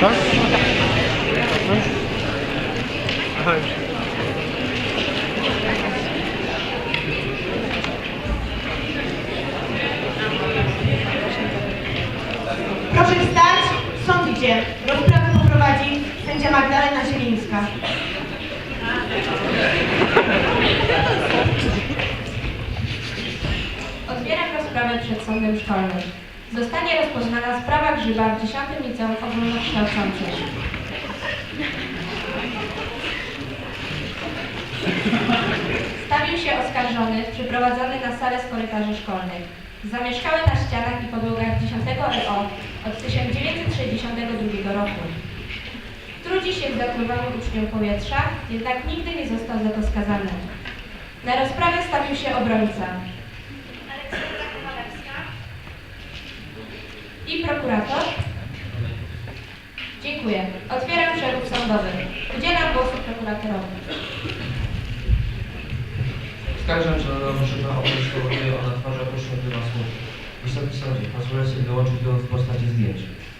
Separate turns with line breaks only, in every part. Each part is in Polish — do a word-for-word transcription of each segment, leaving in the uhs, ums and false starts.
Tak? Aha, już.
Proszę wstać, sąd idzie. Rozprawę poprowadzi sędzia Magdalena Zielińska.
Otwieram rozprawę przed sądem szkolnym. Zostanie rozpoznana sprawa Grzyba w dziesiątym Liceum Ogólnokształcącym. Stawił się oskarżony, przyprowadzony na salę z korytarzy szkolnych. Zamieszkały na ścianach i podłogach dziesiątego R O od tysiąc dziewięćset sześćdziesiątego drugiego roku. Trudzi się w zatruwaniu uczniów powietrza, jednak nigdy nie został za to skazany. Na rozprawę stawił się obrońca i prokurator. Dziękuję. Otwieram przeród sądowy. Udzielam głosu prokuratorowi.
Oskarżam żądanego Grzyba o to, spowoduje ona twarza poświętła słów. Wysoki sądzie, pozwolę sobie dołączyć go w postaci zdjęć.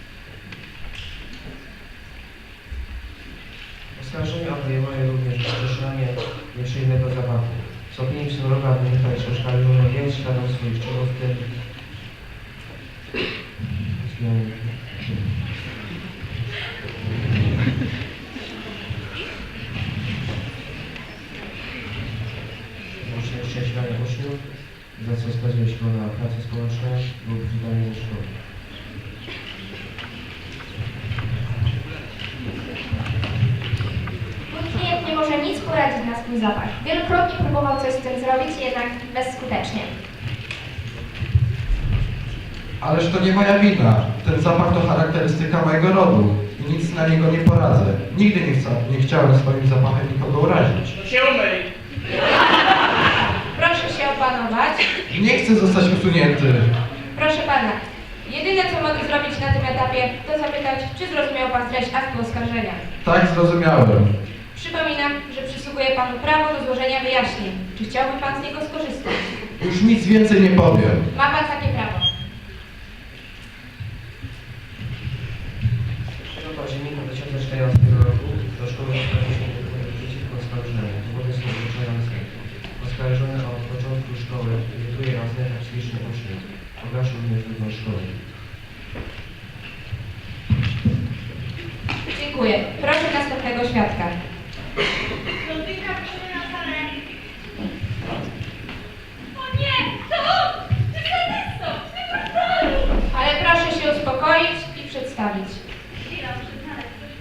Oskarżenie obejmuje również rozszerzanie nieprzyjemnego zapachu. Z opinii psychologa wynika, iż oskarżony nie jest świadom swoich czynów, w tym Szczęśliwania uczniów, za co skazuje się na pracę społeczną lub wydanie ze szkoły.
Mój klient nie może nic poradzić na swój zapach. Wielokrotnie próbował coś z tym zrobić, jednak bezskutecznie.
Ależ to nie moja wina. Ten zapach to charakterystyka mojego rodu i nic na niego nie poradzę. Nigdy nie, chcę, nie chciałem swoim zapachem nikogo urazić.
Się umyj!
Proszę się opanować.
Nie chcę zostać usunięty.
Proszę pana, jedyne co mogę zrobić na tym etapie, to zapytać, czy zrozumiał pan treść aktu oskarżenia.
Tak, zrozumiałem.
Przypominam, że przysługuje panu prawo do złożenia wyjaśnień. Czy chciałby pan z niego skorzystać?
Już nic więcej nie powiem.
Ma pan takie prawo.
trzeciego października dwa tysiące czternastego roku do szkoły zgłosił się przeciwko oskarżonemu. Dowody są wyczerpane. Oskarżony od początku szkoły irytuje oraz nęka psychicznie uczniów. Pogarszył również wygląd szkoły.
Dziękuję. Proszę następnego świadka.
Rozwinka, proszę na salę.
O nie! To on! Ty sadysto! Ty portolu!
Ale proszę się uspokoić i przedstawić.
Chwila, muszę znaleźć coś.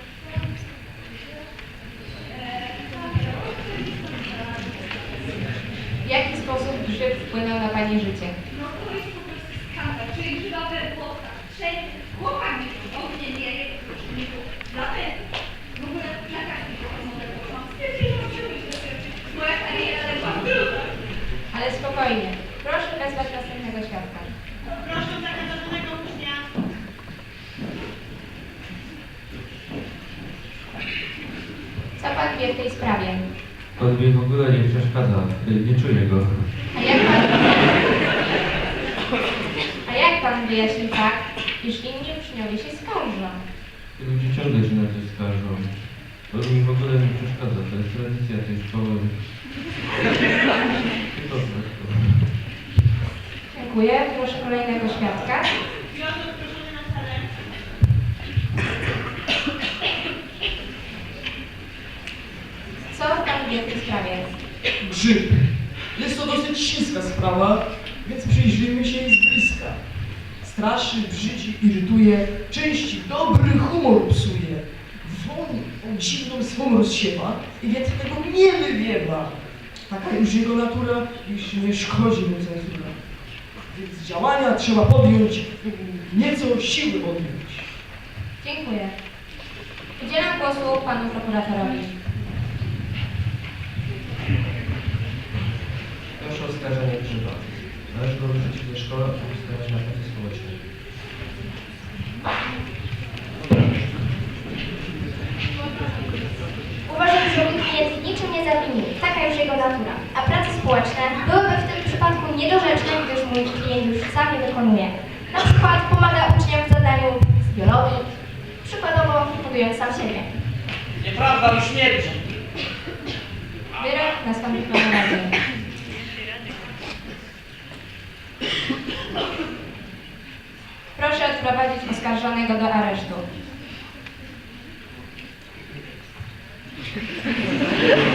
W jaki sposób grzyb wpłynął na pani życie?
No to jest po prostu skandal. Czuję grzyba we włosach. Wszędzie. Chłopak mi ognie wieje. Dlatego. W ogóle na każdym może poszłam. Stwierdziłam, że moja kariera legła w gruzach.
Ale spokojnie. Proszę wezwać następnego świadka.
Proszę zagadzonego ucznia.
Co pan wie w tej sprawie?
On mi w ogóle nie przeszkadza, nie czuję go.
A jak pan, a jak pan wyjaśni fakt, iż inni uczniowie się skarżą?
Ludzie ciągle się na coś skarżą. On mi w ogóle nie przeszkadza, to jest tradycja tej szkoły. Po prostu.
Dziękuję. Proszę kolejnego świadka.
Piotr, proszę na salę.
Co pan wie w tej sprawie?
Grzyb. Jest to dosyć śliska sprawa, więc przyjrzyjmy się jej z bliska. Straszy, brzydzi, irytuje, części dobry humor psuje. Woń o dziwną swą rozsiewa i więcej tego nie wywiewa. Taka już jego natura, iż nie szkodzi mu cenzura. Więc działania trzeba podjąć, nieco siły odjąć.
Dziękuję. Udzielam głosu panu prokuratorowi.
Proszę o oskarżenie Grzyba. Należy go wyrzucić ze szkoły lub skierować na pracę społeczną.
Uważam, że mój klient niczym nie zawinił. Taka już jego natura. A prace społeczne byłyby w tym przypadku niedorzeczne, gdyż mój klient już sam je wykonuje. Na przykład pomaga uczniom w zadaniu z biologii,
przykładowo hodując sam siebie.
Nieprawda, mi śmierdzi.
Wyrok nastąpi po naradzie. Proszę odprowadzić oskarżonego do aresztu.